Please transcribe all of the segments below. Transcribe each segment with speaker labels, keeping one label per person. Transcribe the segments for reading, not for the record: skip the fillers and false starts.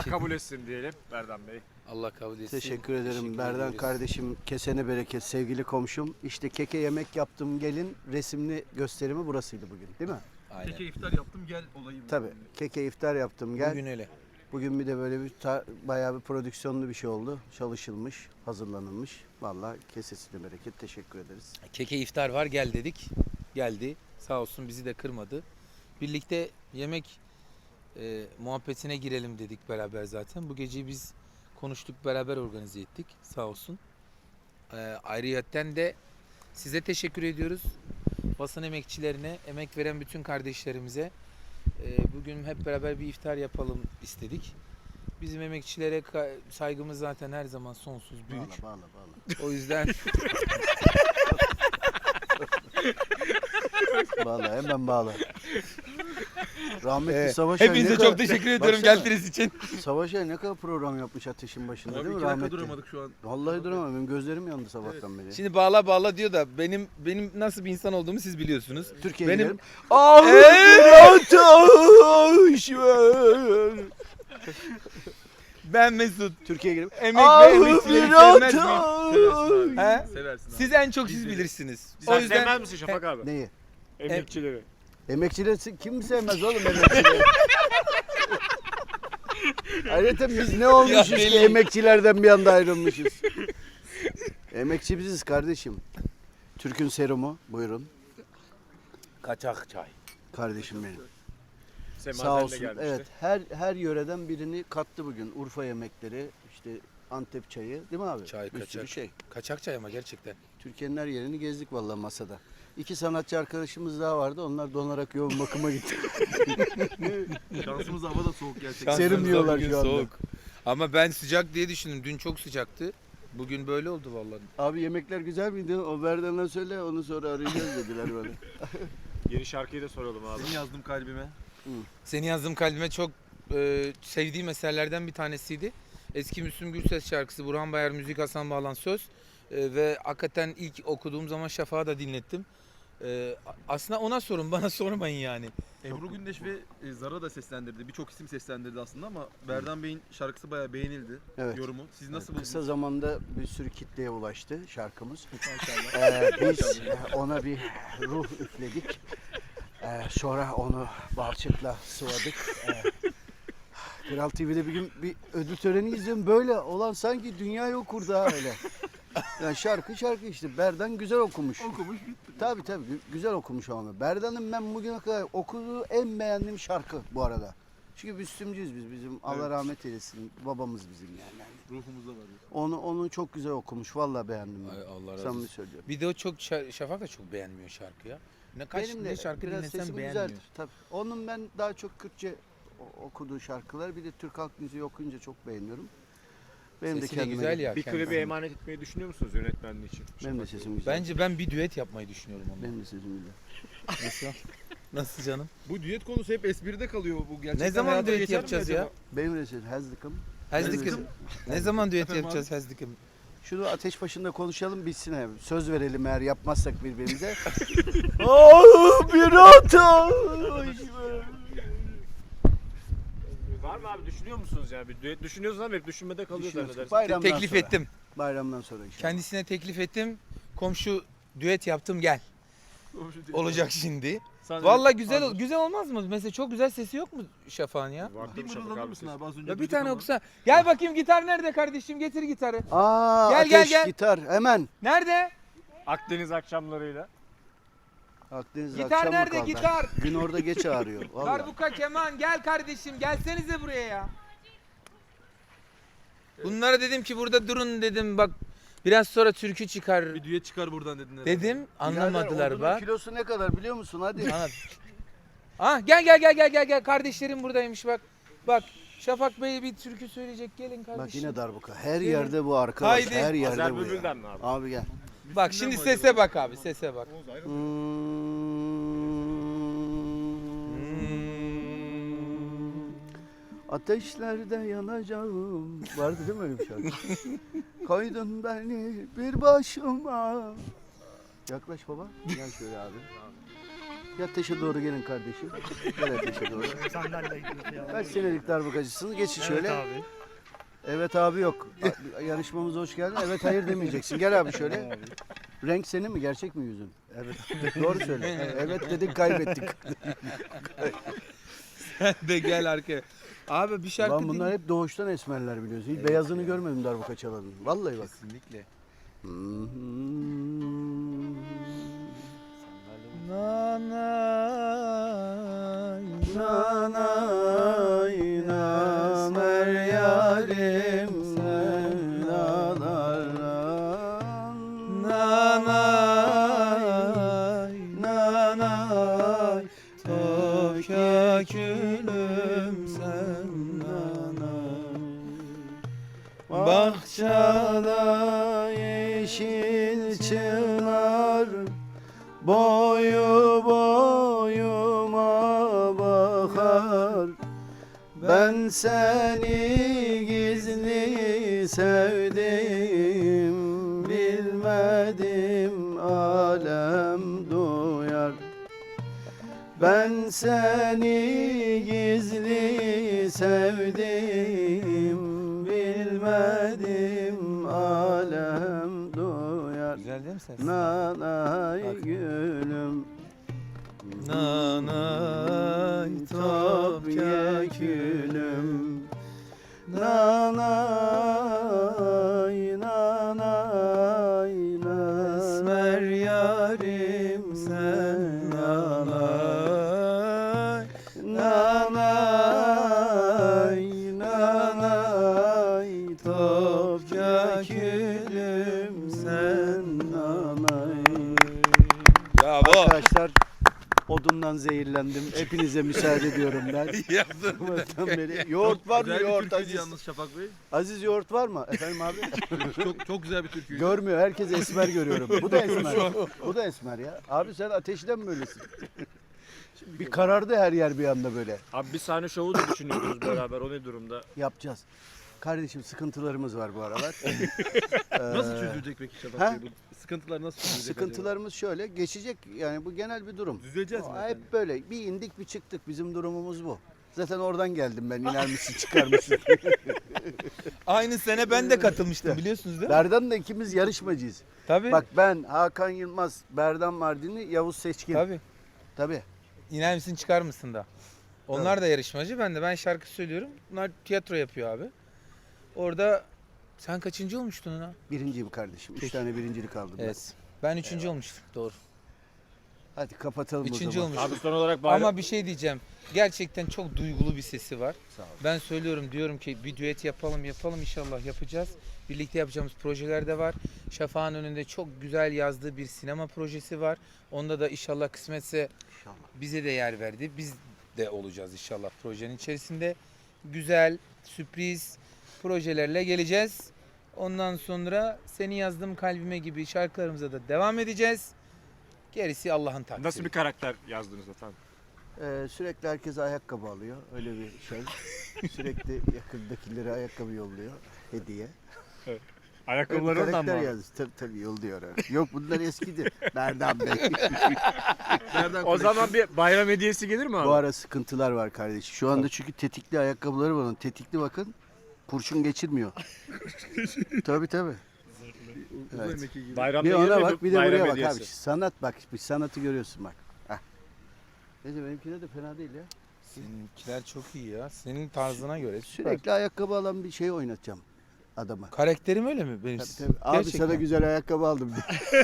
Speaker 1: Kabul etsin diyelim Berdan Bey.
Speaker 2: Allah kabul etsin.
Speaker 3: Teşekkür ederim
Speaker 2: Teşekkür
Speaker 3: Berdan
Speaker 2: ediyoruz.
Speaker 3: kardeşim. Kesene bereket sevgili komşum. İşte keke yemek yaptım gelin resimli gösterimi burasıydı bugün değil mi?
Speaker 2: Aynen.
Speaker 4: Keke iftar yaptım gel olayım.
Speaker 3: Tabii. Keke iftar yaptım gel.
Speaker 2: Bugün öyle.
Speaker 3: Bugün bir de böyle bir bayağı bir prodüksiyonlu bir şey oldu. Çalışılmış, hazırlanılmış. Vallahi kesesine bereket. Teşekkür ederiz.
Speaker 2: Keke iftar var gel dedik. Geldi. Sağ olsun bizi de kırmadı. Birlikte yemek muhabbetine girelim dedik beraber zaten. Bu geceyi biz konuştuk, beraber organize ettik. Sağ olsun. Ayrıyetten de size teşekkür ediyoruz. Basın emekçilerine, emek veren bütün kardeşlerimize bugün hep beraber bir iftar yapalım istedik. Bizim emekçilere saygımız zaten her zaman sonsuz büyük.
Speaker 3: Bağla.
Speaker 2: O yüzden
Speaker 3: Bağla hemen bağla. Rahmetli Savaş
Speaker 2: hepinize çok teşekkür ediyorum geldiğiniz için.
Speaker 3: Savaş ne kadar program yapmış ateşin başında
Speaker 4: Abi
Speaker 3: değil mi
Speaker 4: 2 dakika
Speaker 3: rahmetli?
Speaker 4: duramadık şu an.
Speaker 3: Vallahi duramadım. Benim gözlerim yandı sabahtan beri.
Speaker 2: Şimdi bağla diyor da benim nasıl bir insan olduğumu siz biliyorsunuz.
Speaker 3: Türkiye'ye
Speaker 2: benim-
Speaker 3: gidelim. Ah
Speaker 2: Ben Mesut.
Speaker 3: Türkiye'ye gidelim.
Speaker 2: Emek ve emekçileri sevmez miyim?
Speaker 4: Seversin abi.
Speaker 2: He?
Speaker 4: Seversin abi.
Speaker 2: Siz en çok siz bilirsiniz.
Speaker 1: Sen
Speaker 2: O yüzden
Speaker 1: sevmez misin Şafak abi?
Speaker 3: Neyi?
Speaker 1: Emekçileri.
Speaker 3: Emekçileri kim sevmez oğlum emekçileri? Ayrıca biz ne olmuşuz
Speaker 2: Ya
Speaker 3: ki
Speaker 2: belli.
Speaker 3: emekçilerden bir anda ayrılmışız. Emekçi biziz kardeşim. Türk'ün serumu buyurun
Speaker 2: kaçak çay.
Speaker 3: kardeşim benim. Sağ
Speaker 1: Semazen de
Speaker 3: olsun.
Speaker 1: gelmişti.
Speaker 3: Evet her yöreden birini kattı bugün. Urfa yemekleri, işte Antep çayı değil mi abi?
Speaker 2: Çay
Speaker 3: Bir
Speaker 2: kaçak.
Speaker 3: sürü şey.
Speaker 2: Kaçak çay ama gerçekten.
Speaker 3: Türkiye'nin her yerini gezdik vallahi masada. İki sanatçı arkadaşımız daha vardı. Onlar donarak yoğun bakıma gitti.
Speaker 4: Şansımız hava da soğuk gerçekten.
Speaker 3: Serin
Speaker 2: Şansımıza
Speaker 3: diyorlar
Speaker 2: bugün
Speaker 3: şu anda.
Speaker 2: soğuk. Ama ben sıcak diye düşündüm. Dün çok sıcaktı. Bugün böyle oldu vallahi.
Speaker 3: Abi yemekler güzel miydi? O Berdan'a söyle onu sonra arayacağız dediler bana.
Speaker 1: Yeni şarkıyı da soralım abi.
Speaker 4: Seni yazdım kalbime.
Speaker 2: Seni yazdığım kalbime çok sevdiğim eserlerden bir tanesiydi. Eski Müslüm Gürses şarkısı, Burhan Bayar müzik, Hasan Bağlan söz. Ve hakikaten ilk okuduğum zaman Şafak'a da dinlettim. Aslında ona sorun, bana sormayın yani.
Speaker 4: Ebru Gündeş ve Zara da seslendirdi. Birçok isim seslendirdi aslında ama Berdan Bey'in şarkısı bayağı beğenildi.
Speaker 3: Evet.
Speaker 4: Yorumu. Siz nasıl buldunuz?
Speaker 3: Kısa zamanda bir sürü kitleye ulaştı şarkımız.
Speaker 4: Maşallah.
Speaker 3: Biz ona bir ruh üfledik. Sonra onu balçıkla sıvadık. Kral TV'de bir gün bir ödül töreni izliyorum. Böyle olan sanki dünyayı okurdu ha öyle. Yani şarkı işte. Berdan güzel okumuş.
Speaker 4: Okumuş.
Speaker 3: Tabii güzel okumuş ama. Berdan'ın ben bugüne kadar okuduğu en beğendiğim şarkı bu arada. Çünkü Müslümcüyüz biz. Bizim Allah
Speaker 4: Evet.
Speaker 3: rahmet eylesin. Babamız bizim yani.
Speaker 4: Ruhumuzda var.
Speaker 3: Onu çok güzel okumuş. Vallahi beğendim ben.
Speaker 2: Ay, Allah razı
Speaker 3: Samimi
Speaker 2: olsun.
Speaker 3: söylüyorum.
Speaker 2: Bir de o çok Şafak da çok beğenmiyor şarkı ya.
Speaker 3: Benim de
Speaker 2: ne şarkı
Speaker 3: biraz
Speaker 2: dinlesem
Speaker 3: sesim
Speaker 2: beğenmiyor.
Speaker 3: güzeldir. Tabii. Onun ben daha çok Kürtçe okuduğu şarkılar. Bir de Türk halk müziği okuyunca çok beğeniyorum. Benim
Speaker 2: Sesi
Speaker 3: de
Speaker 2: de
Speaker 3: kendime
Speaker 2: güzel ya.
Speaker 1: Bir
Speaker 2: kendisi.
Speaker 1: klibi emanet etmeyi düşünüyor musunuz yönetmenliği için?
Speaker 3: Benim de sesim güzel.
Speaker 2: Bence ben bir düet yapmayı düşünüyorum onunla.
Speaker 3: Benim de sesim güzel.
Speaker 2: Nasıl? Nasıl canım?
Speaker 4: Bu düet konusu hep espride kalıyor bu gerçekten.
Speaker 2: Ne zaman
Speaker 4: hayata
Speaker 2: düet
Speaker 4: geçer mi
Speaker 2: yapacağız
Speaker 4: acaba?
Speaker 2: ya?
Speaker 3: Benim de sesim Hezdikim.
Speaker 2: Hezdikim. Ne zaman düet
Speaker 4: Efendim
Speaker 2: yapacağız Hezdikim?
Speaker 3: Şunu ateş başında konuşalım bitsin abi. Söz verelim eğer yapmazsak birbirimize. Ah bir ateş.
Speaker 1: Var mı abi düşünüyor musunuz yani? Bir düet düşünüyorsunuz ama hep düşünmede kalıyor
Speaker 3: Düşünüyoruz.
Speaker 1: zannedersin.
Speaker 3: Bayramdan
Speaker 2: Teklif
Speaker 3: sonra.
Speaker 2: ettim.
Speaker 3: Bayramdan sonra inşallah.
Speaker 2: Kendisine teklif ettim. Komşu düet yaptım gel. Olacak şimdi.
Speaker 4: Sen-
Speaker 2: Vallahi güzel
Speaker 4: Hazır.
Speaker 2: güzel olmaz mı? Mesela çok güzel sesi yok mu Şafak'ın ya?
Speaker 1: Var
Speaker 4: Bir
Speaker 1: tabii Şafak
Speaker 4: mırıldanır
Speaker 1: abi
Speaker 4: mısın
Speaker 1: ses.
Speaker 4: abi az önce?
Speaker 2: Ya bir
Speaker 4: duyduk
Speaker 2: tane
Speaker 4: ama.
Speaker 2: okusa. Gel bakayım gitar nerede kardeşim? Getir gitarı.
Speaker 3: Aa
Speaker 2: Gel,
Speaker 3: ateş
Speaker 2: gel.
Speaker 3: gitar hemen.
Speaker 2: Nerede?
Speaker 1: Akdeniz akşamlarıyla.
Speaker 3: Akdeniz
Speaker 2: Gitar
Speaker 3: akşam mı
Speaker 2: nerede
Speaker 3: kaldı?
Speaker 2: gitar?
Speaker 3: Gün orada geç ağrıyor. Vallahi.
Speaker 2: Darbuka keman gel kardeşim gelsenize buraya ya. Bunlara dedim ki burada durun dedim bak biraz sonra türkü çıkar
Speaker 4: Bir düet çıkar buradan dedin herhalde.
Speaker 2: dedim anlamadılar
Speaker 3: Birader,
Speaker 2: bak.
Speaker 3: odunun kilosu ne kadar biliyor musun? Hadi.
Speaker 2: Anlat. Ah gel kardeşlerim buradaymış bak. Bak Şafak Bey bir türkü söyleyecek gelin kardeşim.
Speaker 3: Bak yine darbuka. Her
Speaker 2: Gelin.
Speaker 3: yerde bu arkadaş.
Speaker 2: Haydi.
Speaker 3: Her yerde
Speaker 1: Azer
Speaker 3: bu ya.
Speaker 1: Bülbül'den mi abi?
Speaker 3: Abi gel.
Speaker 2: Bak şimdi sese bak abi sese bak.
Speaker 3: Ateşlerde yanacağım. Vardı değil mi öyle bir şarkı? Koydun beni bir başıma. Yaklaş baba. Gel şöyle abi. Bir ateşe doğru gelin kardeşim. Gel ateşe doğru. Kaç senelik darbukacısınız? Geçin şöyle.
Speaker 5: Evet abi.
Speaker 3: Evet abi yok. Yarışmamıza hoş geldin. Evet hayır demeyeceksin. Gel abi şöyle. Renk senin mi? Gerçek mi yüzün? Evet. Doğru söyle. Evet dedik kaybettik.
Speaker 2: De gel arkaya. Abi bir şarkı
Speaker 3: Lan bunlar hep doğuştan esmerler biliyorsun. Hiç beyazını görmedim darbuka çalanın. Vallahi bak.
Speaker 2: Kesinlikle. Nanay,
Speaker 3: Nanay namer yarim sen
Speaker 2: nanay, nanay, Tokya külüm sen nanay.
Speaker 3: Bahçada yeşil çınar boyu boyuma bakar. Ben seni gizli sevdim, bilmedim alem duyar. Ben seni gizli sevdim, bilmedim alem duyar.
Speaker 2: Güzel değil mi ses?
Speaker 3: Nanay
Speaker 2: Bak.
Speaker 3: gülüm,
Speaker 2: Nanay,
Speaker 3: Topya külüm. Nanay, nanay,
Speaker 2: Esmer yarim sen nanay.
Speaker 3: nanay, nanay, Topya külüm sen nanay.
Speaker 2: Bravo.
Speaker 3: Arkadaşlar odundan zehirlendim. Hepinize müsaade ediyorum ben. Sabahtan beri. Yoğurt var mı?
Speaker 4: Güzel bir
Speaker 3: Yoğurt
Speaker 4: türküydü
Speaker 3: Aziz.
Speaker 4: yalnız Şafak Bey.
Speaker 3: Aziz yoğurt var mı? Efendim abi?
Speaker 4: Çok güzel bir türküydü.
Speaker 3: Görmüyor. Herkes esmer görüyorum. Bu da esmer. Bu da esmer ya. Abi sen ateşten mi öylesin? Bir karardı her yer bir anda böyle.
Speaker 1: Abi bir sahne şovu da düşünüyoruz beraber. O ne durumda?
Speaker 3: Yapacağız. Kardeşim sıkıntılarımız var bu aralar.
Speaker 4: Nasıl çözülecek peki Şafak
Speaker 3: Ha?
Speaker 4: Bey? Bu sıkıntılar nasıl çözülecek
Speaker 3: Sıkıntılarımız şöyle. Geçecek yani bu genel bir durum.
Speaker 4: acaba? Düzeleceğiz mi? efendim?
Speaker 3: Hep böyle bir indik bir çıktık. Bizim durumumuz bu. Zaten oradan geldim ben. İner misin çıkar mısın?
Speaker 2: Aynı sene ben de katılmıştım biliyorsunuz değil mi?
Speaker 3: Berdan'la ikimiz yarışmacıyız.
Speaker 2: Tabii.
Speaker 3: Bak ben, Hakan Yılmaz, Berdan Mardinli, Yavuz Seçkin.
Speaker 2: Tabii.
Speaker 3: Tabii.
Speaker 2: İner misin çıkar mısın da. Onlar da yarışmacı. Ben şarkı söylüyorum. Bunlar tiyatro yapıyor abi. Orada sen kaçıncı olmuştun ona?
Speaker 3: Birinciyim kardeşim. 3 tane birincilik aldım ben.
Speaker 2: Evet. Ben üçüncü olmuştum. Doğru.
Speaker 3: Hadi kapatalım
Speaker 2: Üçüncü
Speaker 3: o zaman.
Speaker 2: olmuştum.
Speaker 1: Abi son olarak bayram...
Speaker 2: Ama bir şey diyeceğim. Gerçekten çok duygulu bir sesi var.
Speaker 3: Sağ ol.
Speaker 2: Ben söylüyorum diyorum ki bir düet yapalım inşallah yapacağız. Birlikte yapacağımız projeler de var. Şafak'ın önünde çok güzel yazdığı bir sinema projesi var. Onda da inşallah kısmetse
Speaker 3: İnşallah.
Speaker 2: bize de yer verdi. Biz de olacağız inşallah projenin içerisinde. Güzel, sürpriz projelerle geleceğiz. Ondan sonra Seni Yazdım Kalbime gibi şarkılarımıza da devam edeceğiz. Gerisi Allah'ın takdiri.
Speaker 1: Nasıl bir karakter yazdınız efendim?
Speaker 3: Sürekli herkes ayakkabı alıyor. Öyle bir şey. Sürekli yakındakilere ayakkabı yolluyor. Hediye. Öyle bir
Speaker 1: Ayakkabıları ondan
Speaker 3: karakter
Speaker 1: mı?
Speaker 3: yazdı. Tabii yolluyor öyle. Yok bunlar eskidir. Berdan Bey.
Speaker 4: Nereden
Speaker 1: O zaman bir bayram hediyesi gelir mi abi?
Speaker 3: Bu ara sıkıntılar var kardeşim. Şu anda çünkü tetikli ayakkabıları var onun. Tetikli bakın. Kurşun geçirmiyor. Tabii tabii.
Speaker 4: Uzay
Speaker 3: Evet.
Speaker 4: mekiği gibi.
Speaker 1: Bayramda
Speaker 3: Bir
Speaker 1: gelir
Speaker 3: ona
Speaker 1: mi
Speaker 3: bak bir de
Speaker 1: bayram
Speaker 3: buraya bak
Speaker 1: hediyesi?
Speaker 3: abi. Sanat bak. Bir sanatı görüyorsun bak. Heh. Neyse benimkine de fena değil ya.
Speaker 2: Seninkiler çok iyi ya. Senin tarzına göre. Süper.
Speaker 3: Sürekli ayakkabı alan bir şey oynatacağım adama.
Speaker 2: Karakterim öyle mi benim?
Speaker 3: Tabii, tabii. Abi
Speaker 2: Gerçekten.
Speaker 3: sana güzel ayakkabı aldım.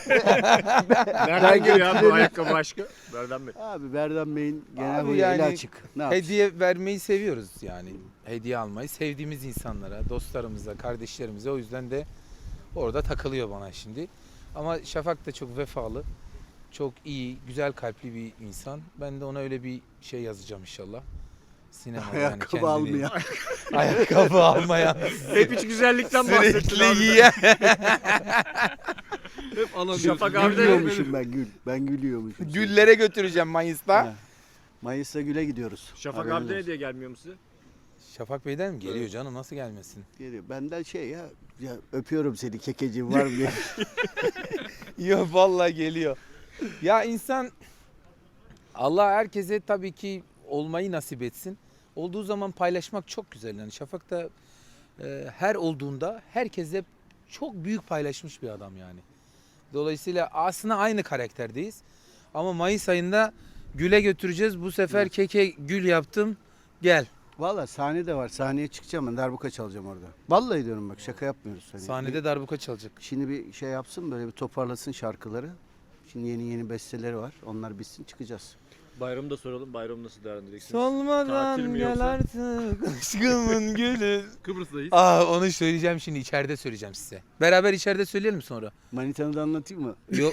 Speaker 1: Nereden geliyor abi bu ayakkabı aşkı? Nereden Bey?
Speaker 3: Abi Berdan Bey'in genel
Speaker 2: Abi
Speaker 3: huyu
Speaker 2: yani
Speaker 3: eli açık. Ne yapsın?
Speaker 2: Hediye vermeyi seviyoruz yani. Hediye almayı sevdiğimiz insanlara, dostlarımıza, kardeşlerimize. O yüzden de orada takılıyor bana şimdi. Ama Şafak da çok vefalı, çok iyi, güzel kalpli bir insan. Ben de ona öyle bir şey yazacağım inşallah. Sinema
Speaker 3: Ayakkabı
Speaker 2: kendini-
Speaker 3: almayan.
Speaker 2: Ayakkabı almayan.
Speaker 1: Hep hiç güzellikten bahsettin
Speaker 2: Sürekli
Speaker 1: abi.
Speaker 2: yiyen.
Speaker 4: Hep alamıyorsun.
Speaker 1: Şafak abi de-
Speaker 3: Gülüyormuşum ben gül. Ben gülüyormuşum.
Speaker 2: Güllere götüreceğim Mayıs'ta.
Speaker 3: Ha. Mayıs'ta güle gidiyoruz.
Speaker 1: Şafak
Speaker 3: Haberiniz
Speaker 1: abi de
Speaker 3: olsun.
Speaker 1: hediye gelmiyor mu size?
Speaker 2: Şafak Bey'den mi geliyor canım? Nasıl gelmesin?
Speaker 3: Geliyor. Benden şey ya öpüyorum seni kekeciğim var mı diye.
Speaker 2: Yok vallahi geliyor. Ya insan Allah herkese tabii ki olmayı nasip etsin. Olduğu zaman paylaşmak çok güzel. Yani Şafak da her olduğunda herkese çok büyük paylaşmış bir adam yani. Dolayısıyla aslında aynı karakterdeyiz. Ama Mayıs ayında Gül'e götüreceğiz. Bu sefer keke Gül yaptım. Gel.
Speaker 3: Valla sahne de var. Sahneye çıkacağım ben. Darbuka çalacağım orada. Vallahi diyorum bak, şaka yapmıyoruz. Hani
Speaker 2: Sahnede darbuka çalacak.
Speaker 3: Şimdi bir şey yapsın, böyle bir toparlasın şarkıları. Şimdi yeni besteleri var. Onlar bitsin, çıkacağız.
Speaker 1: Bayramı da soralım. Bayramı nasıl değerlendireceksiniz?
Speaker 2: Solmadan
Speaker 1: Tatil mi
Speaker 2: gel
Speaker 1: yoksa?
Speaker 2: artık aşkımın gülü.
Speaker 4: Kıbrıs'tayız.
Speaker 2: Onu söyleyeceğim şimdi, içeride söyleyeceğim size. Beraber içeride söyleyelim sonra.
Speaker 3: Manitanı da anlatayım mı?
Speaker 2: Yok.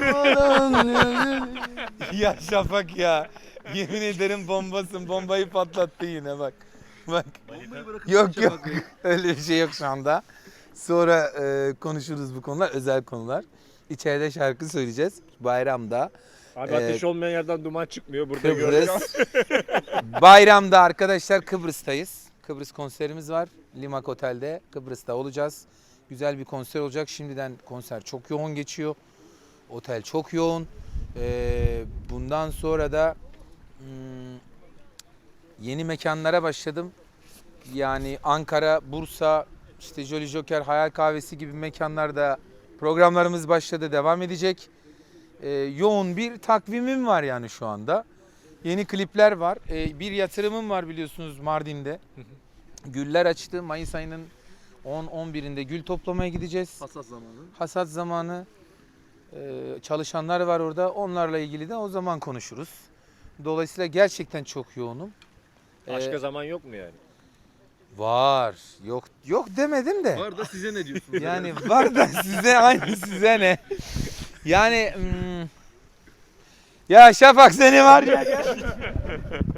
Speaker 2: Ya Şafak ya. Yemin ederim bombasın. Bombayı patlattı yine bak. Bak.
Speaker 4: Bombayı bırakın
Speaker 2: Yok
Speaker 4: Şafak
Speaker 2: yok.
Speaker 4: Bey.
Speaker 2: Öyle bir şey yok şu anda. Sonra konuşuruz bu konular. Özel konular. İçeride şarkı söyleyeceğiz. Bayramda.
Speaker 1: Abi ateş olmayan yerden duman çıkmıyor. Burada görüyoruz.
Speaker 2: Kıbrıs. Bayramda arkadaşlar Kıbrıs'tayız. Kıbrıs konserimiz var. Limak Otel'de. Kıbrıs'ta olacağız. Güzel bir konser olacak. Şimdiden konser çok yoğun geçiyor. Otel çok yoğun. Bundan sonra da yeni mekanlara başladım. Yani Ankara, Bursa, işte Jolly Joker, Hayal Kahvesi gibi mekanlarda programlarımız başladı, devam edecek. Yoğun bir takvimim var yani şu anda. Yeni klipler var. Bir yatırımım var biliyorsunuz Mardin'de. Güller açtı. Mayıs ayının 10-11'inde gül toplamaya gideceğiz.
Speaker 4: Hassas zamanı.
Speaker 2: Hasat zamanı. Çalışanlar var orada. Onlarla ilgili de o zaman konuşuruz. Dolayısıyla gerçekten çok yoğunum.
Speaker 1: Başka zaman yok mu yani?
Speaker 2: Var. Yok demedim de.
Speaker 4: Var da size ne diyorsunuz?
Speaker 2: Yani var da size aynı size ne? Yani ya Şafak seni var ya.